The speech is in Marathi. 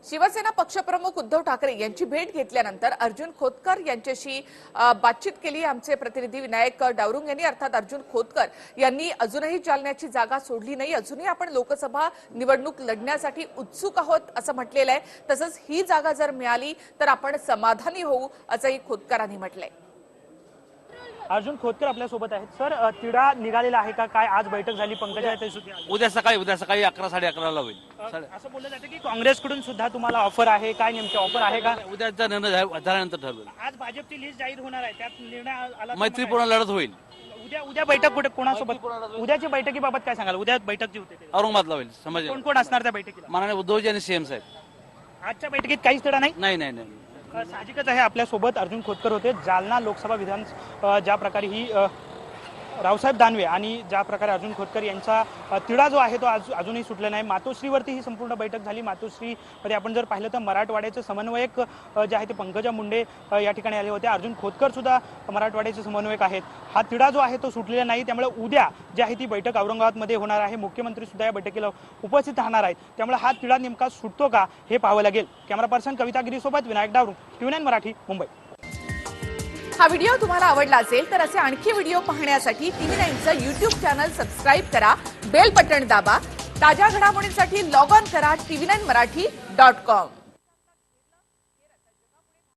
शिवसेना पक्षप्रमुख उद्धव ठाकरे यांची भेट घेतल्यानंतर अर्जुन खोतकर यांच्याशी बातचीत केली आमचे प्रतिनिधी विनायक डावरुंग यांनी। अर्थात अर्जुन खोतकर यांनी अजूनही जालन्याची जागा सोडली नाही, अजूनही आपण लोकसभा निवडणूक लढण्यासाठी उत्सुक आहोत असं म्हटलेलं आहे। तसंच ही जागा जर मिळाली तर आपण समाधानी होऊ असंही खोतकरांनी म्हटलंय। अर्जुन खोतकर आपल्या सोबत आहेत। सर, तिढा निघालेला आहे का? काय आज बैठक झाली? पंकजा उद्या सकाळी 11 साडे11ला होईल। असं बोललं जातं की काँग्रेसकडून सुद्धा तुम्हाला ऑफर आहे, काय नेमकी ऑफर आहे का? उद्याचा निर्णय झाल्यानंतर ठरवेल। आज भाजपची लिस्ट जाहीर होणार आहे, त्यात निर्णय आला मैत्रीपूर्ण लढत होईल। उद्या बैठक कुठे, कोणासोबत? उद्याची बैठकीबाबत काय सांगाल? उद्या बैठक जी होते औरंगाबादला होईल। समज कोण कोण असणार त्या बैठकीला? माननीय उद्धवजी आणि सीएम साहेब। आजच्या बैठकीत काहीच तिढा नाही? नाही। साहजिकच आहे, आपल्यासोबत अर्जुन खोतकर होते। जालना लोकसभा विधान ज्या प्रकारे ही रावसाहेब दानवे आणि ज्या प्रकारे अर्जुन खोतकर यांचा तिढा जो आहे तो अजूनही सुटला नाही। मातोश्रीवरती ही संपूर्ण बैठक झाली। मातोश्रीमध्ये आपण जर पाहिलं तर मराठवाड्याचे समन्वयक जे आहे ते पंकजा मुंडे या ठिकाणी आले होते। अर्जुन खोतकर सुद्धा मराठवाड्याचे समन्वयक आहेत। हा तिढा जो आहे तो सुटलेला नाही, त्यामुळे उद्या जी आहे ती बैठक औरंगाबादमध्ये होणार आहे। मुख्यमंत्री सुद्धा या बैठकीला उपस्थित राहणार आहेत, त्यामुळे हा तिढा नेमका सुटतो का हे पाहावं लागेल। कॅमेरा पर्सन कविता गिरीसोबत विनायक डावरुंग, TV9 मराठी, मुंबई। हा व्हिडिओ तुम्हाला आवडला असेल तर असे आणखी व्हिडिओ पाहण्यासाठी TV9चं YouTube चॅनल सबस्क्राइब करा, बेल बटन दाबा। ताज्या घडामोडींसाठी लॉग ऑन करा tv9marathi.com।